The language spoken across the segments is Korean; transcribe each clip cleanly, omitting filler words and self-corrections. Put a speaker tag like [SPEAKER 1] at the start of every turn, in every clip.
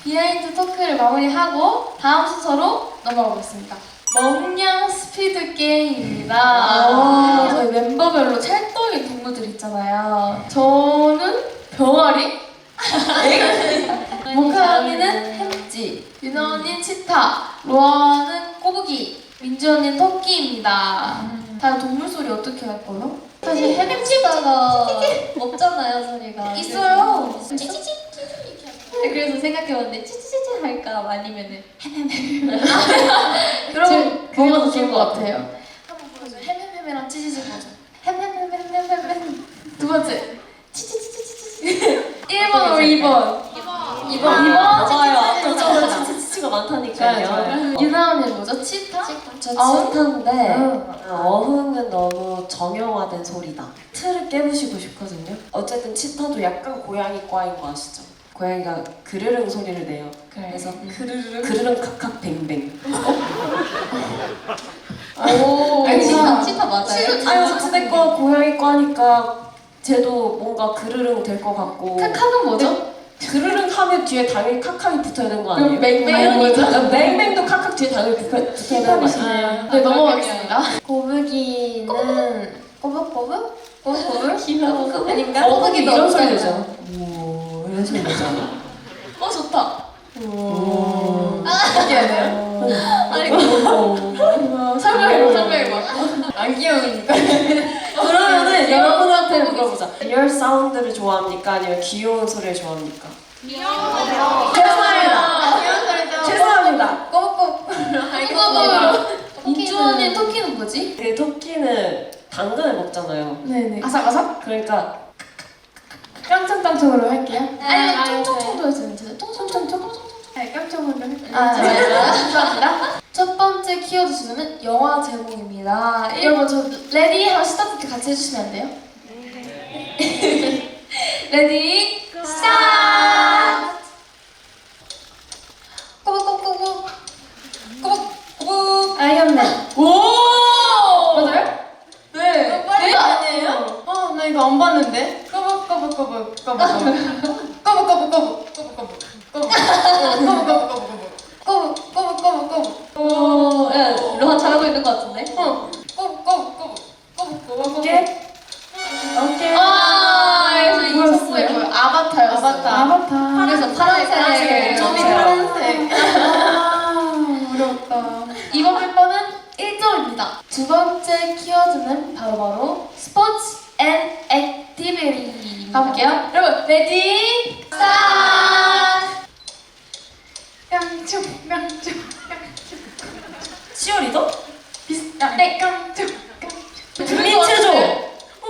[SPEAKER 1] 비하인드 토크를 마무리하고 다음 순서로 넘어가 보겠습니다. 멍냥 스피드 게임입니다. 저희 멤버별로 찰떡인 동물들 있잖아요. 저는 병아리, 모카 언니는 햄찌, 유나 언니는 치타, 로아는 꼬부기, 민주 언니는 토끼입니다. 다음 동물 소리 어떻게 할 거요? 사실
[SPEAKER 2] 햄찌가 없잖아요, 소리가.
[SPEAKER 1] 있어요.
[SPEAKER 2] 찌찌찌 이렇게 할까요? 그래서 생각해봤는데 찌찌찌찌 할까 아니면은
[SPEAKER 1] 여러분
[SPEAKER 2] 그게
[SPEAKER 1] 뭐가
[SPEAKER 2] 더
[SPEAKER 1] 더
[SPEAKER 2] 좋을
[SPEAKER 1] 좋을
[SPEAKER 2] 것
[SPEAKER 1] 것 같아요? 한번 보여줘요. 햄햄햄이랑 찌찌찌 보죠. 햄햄햄햄햄햄. 두 번째. 찌찌찌찌찌찌. 1번 우리 2번. 2번.
[SPEAKER 3] 맞아요. 앞으로 치치치가 많다니까요.
[SPEAKER 1] 유나 언니는 뭐죠? 치타?
[SPEAKER 3] 저
[SPEAKER 1] 어흥?
[SPEAKER 3] 치타인데 어흥은 너무 정형화된 소리다. 틀을 깨부시고 싶거든요. 어쨌든 치타도 약간 고양이과인 거 아시죠? 고양이가 그르릉 소리를 내요. 그래서 그르릉 칵칵 뱅뱅.
[SPEAKER 1] 오.
[SPEAKER 2] 아니, 치타 맞아요?
[SPEAKER 3] 아유 어찌됐건 고양이과니까 쟤도 뭔가 그르릉 될 것 같고.
[SPEAKER 1] 카카는 뭐죠?
[SPEAKER 3] 그르릉 하면 뒤에 당연히 칵칵이 붙어야 되는 거 아니에요?
[SPEAKER 1] 그럼 맹맹은
[SPEAKER 3] 당연히
[SPEAKER 1] 뭐죠?
[SPEAKER 3] 맹맹도 칵칵 뒤에 당연히 붙어야 되는 거 아니에요?
[SPEAKER 1] 네, 넘어가겠습니다. 꼬부기는 꼬북꼬북? 꼬북꼬북?
[SPEAKER 2] 귀여워.
[SPEAKER 1] 아닌가?
[SPEAKER 3] 꼬부기도 이런 소리
[SPEAKER 1] 없잖아요.
[SPEAKER 3] 내죠. 오 이런 소리 내잖아.
[SPEAKER 1] 좋다.
[SPEAKER 3] 오.
[SPEAKER 1] 신기하네요. 설명해봐. 안 귀여우니까.
[SPEAKER 3] 그러면은 여러분한테 물어보자. 리얼 사운드를 좋아합니까? 아니면 귀여운 소리를 좋아합니까? 죄송합니다. 죄송합니다.
[SPEAKER 1] 꼬북꼬북. 알겠습니다. 민주 언니 토끼는 뭐지?
[SPEAKER 3] 그 토끼는 당근을 먹잖아요.
[SPEAKER 1] 네네. 아삭아삭?
[SPEAKER 3] 그러니까
[SPEAKER 1] 깡총깡총으로 할게요. 아니면
[SPEAKER 2] 아,
[SPEAKER 1] 총총총도 해주면 되죠. 총총총? 네, 깡총으로 할게요.
[SPEAKER 2] 아, 네.
[SPEAKER 1] 감사합니다. 첫 번째 키워드 주제는 영화 제목입니다. 여러분 저 레디 하고 스타트 같이 해주시면 안 돼요? 레디 스타트! 꼬북꼬북꼬북 꼬북꼬북 알겠네. 오! 맞아요? 네.
[SPEAKER 2] 빨리 아니에요?
[SPEAKER 1] 나 이거 안 봤는데. 꼬북꼬북꼬북 꼬북꼬북 꼬북꼬북꼬북 꼬북꼬북꼬북
[SPEAKER 2] 오, 야, 로아 잘하고 있는 것 같은데?
[SPEAKER 1] 어깨? 그래서 이
[SPEAKER 3] 뭐였어요?
[SPEAKER 1] 선수의 아바타였어요. 아바타.
[SPEAKER 2] 그래서 파란색.
[SPEAKER 1] 점이 파란색. 어렵다. 이번 멤버는 1점입니다. 두 번째 키워드는 바로 스포츠 앤 액티비티. 가볼게요. 여러분, 레디, 스타트! 깡총.
[SPEAKER 3] 치어리더?
[SPEAKER 1] 네, 깡총.
[SPEAKER 3] 국민체조!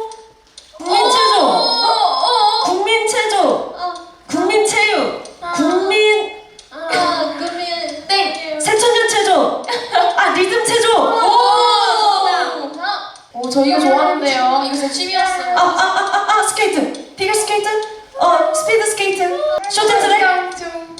[SPEAKER 3] 국민체조! 국민체조! 국민체육! 국민
[SPEAKER 2] 금일.
[SPEAKER 1] 땡!
[SPEAKER 3] 새천년체조! 아 리듬체조!
[SPEAKER 1] 오, 저 이거 좋아하는데요. 이거 제 취미였어요.
[SPEAKER 3] 스케이트! 피겨스케이트? 스피드 스케이트! 쇼트트랙?
[SPEAKER 1] 깡총.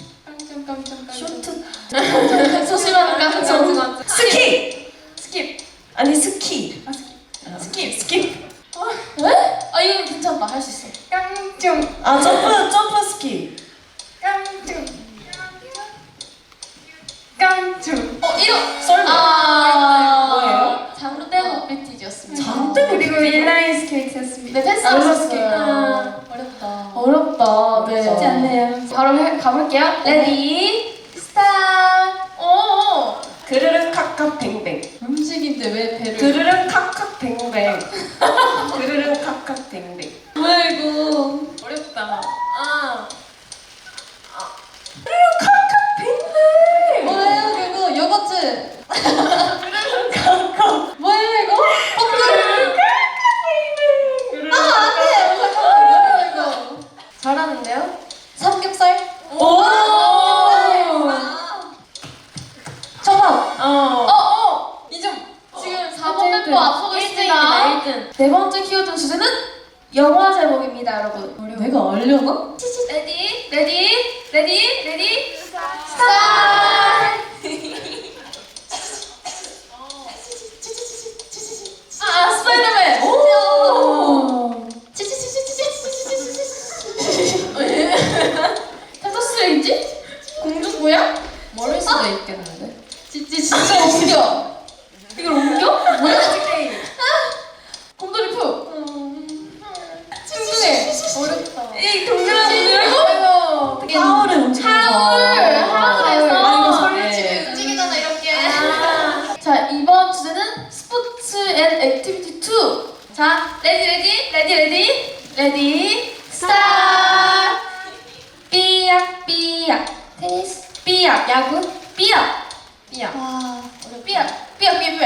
[SPEAKER 3] 쇼트
[SPEAKER 1] 소심한 깡총.
[SPEAKER 3] 스키!
[SPEAKER 1] 스킵.
[SPEAKER 3] 아니 스키
[SPEAKER 1] 스킵.
[SPEAKER 3] 스키
[SPEAKER 1] 왜? 이거 괜찮다. 할 수 있어. 깡총.
[SPEAKER 3] 아 점프 스키
[SPEAKER 1] 깡총. 깡총. 이거!
[SPEAKER 3] 썰매 뭐예요?
[SPEAKER 1] 장대국 BTG였습니다.
[SPEAKER 3] 장대국
[SPEAKER 1] 그리고 인라인 스케이트였습니다. 네, 패스
[SPEAKER 2] 어렵어요.
[SPEAKER 1] 어렵다. 어렵다. 네.
[SPEAKER 3] 쉽지
[SPEAKER 1] 않네요. 바로 가볼게요. 레디, 스타트. 오!
[SPEAKER 3] 그르릉 칵칵 뱅뱅
[SPEAKER 1] 음식인데 왜 배를?
[SPEAKER 3] 그르릉 칵칵 뱅뱅 그르릉 칵칵 뱅뱅
[SPEAKER 1] 뭐야 이거? 어렵다.
[SPEAKER 3] 뱅뱅
[SPEAKER 2] 뭐예요, 그거? 요거트.
[SPEAKER 3] 칵칵
[SPEAKER 2] 뭐예요, 이거?
[SPEAKER 3] 그르릉 칵칵
[SPEAKER 2] 이거.
[SPEAKER 1] 잘하는데요?
[SPEAKER 2] 삼겹살?
[SPEAKER 3] 오
[SPEAKER 1] 정답!
[SPEAKER 3] 어.
[SPEAKER 1] 2점! 지금 4번 멤버 앞서고 있습니다. 네 번째 키워드 주제는 영화 제목입니다, 여러분.
[SPEAKER 3] 내가 알려나?
[SPEAKER 1] 레디, 스타트! 스파이더맨!
[SPEAKER 3] 오
[SPEAKER 1] 텍사스 레인지? 있겠는데.
[SPEAKER 2] 진짜
[SPEAKER 1] 진짜 옮겨. 이걸 옮겨? 뭐야?
[SPEAKER 3] 게임.
[SPEAKER 1] 곰돌이 푸. 춤중해.
[SPEAKER 2] 어렵다.
[SPEAKER 1] 이 동그란 이거.
[SPEAKER 3] 하울을 움직여서.
[SPEAKER 1] 하울에서.
[SPEAKER 3] 아, 이거 설레.
[SPEAKER 2] 집에 움직이잖아 이렇게.
[SPEAKER 1] 자, 이번 주제는 스포츠 앤 액티비티 2. 자, 레디, 스타트! 삐약, 테니스, 삐약, 야구, 삐약,
[SPEAKER 2] 와.
[SPEAKER 1] 삐약,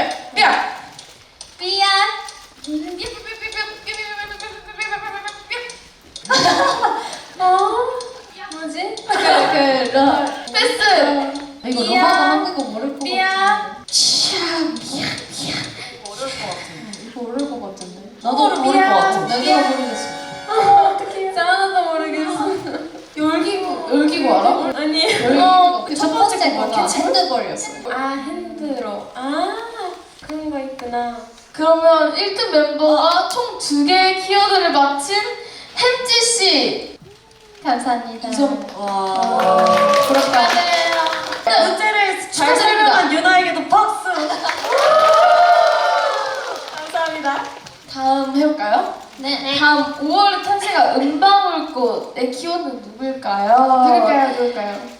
[SPEAKER 1] 뭐지? 패스!
[SPEAKER 2] 이거
[SPEAKER 1] 삐약.
[SPEAKER 2] 로마가 한국어 모를 것
[SPEAKER 1] 삐약,
[SPEAKER 2] 같은데.
[SPEAKER 3] 어려울 것 같아.
[SPEAKER 2] 이거 모를 것 같은데.
[SPEAKER 3] 나도 모를 것 같아.
[SPEAKER 2] 나도 모르겠어.
[SPEAKER 1] 어떡해. 하나도 모르겠어. 열기구 알아?
[SPEAKER 3] 아니.
[SPEAKER 2] 첫 번째 거가 핸드볼이었어.
[SPEAKER 3] 아, 핸드로. 아, 그런 거 있구나.
[SPEAKER 1] 그러면 1등 멤버가 총 2개의 키워드를 맞힌 햄찌씨.
[SPEAKER 2] 감사합니다.
[SPEAKER 1] 2점.
[SPEAKER 3] 와.
[SPEAKER 1] 부럽다.
[SPEAKER 3] 문제를 잘
[SPEAKER 1] 축하드립니다.
[SPEAKER 3] 설명한 유나에게도 박수. 감사합니다.
[SPEAKER 1] 다음 해볼까요?
[SPEAKER 2] 네.
[SPEAKER 1] 다음 5월에 탄생한 은방울꽃의 키워드는 누굴까요?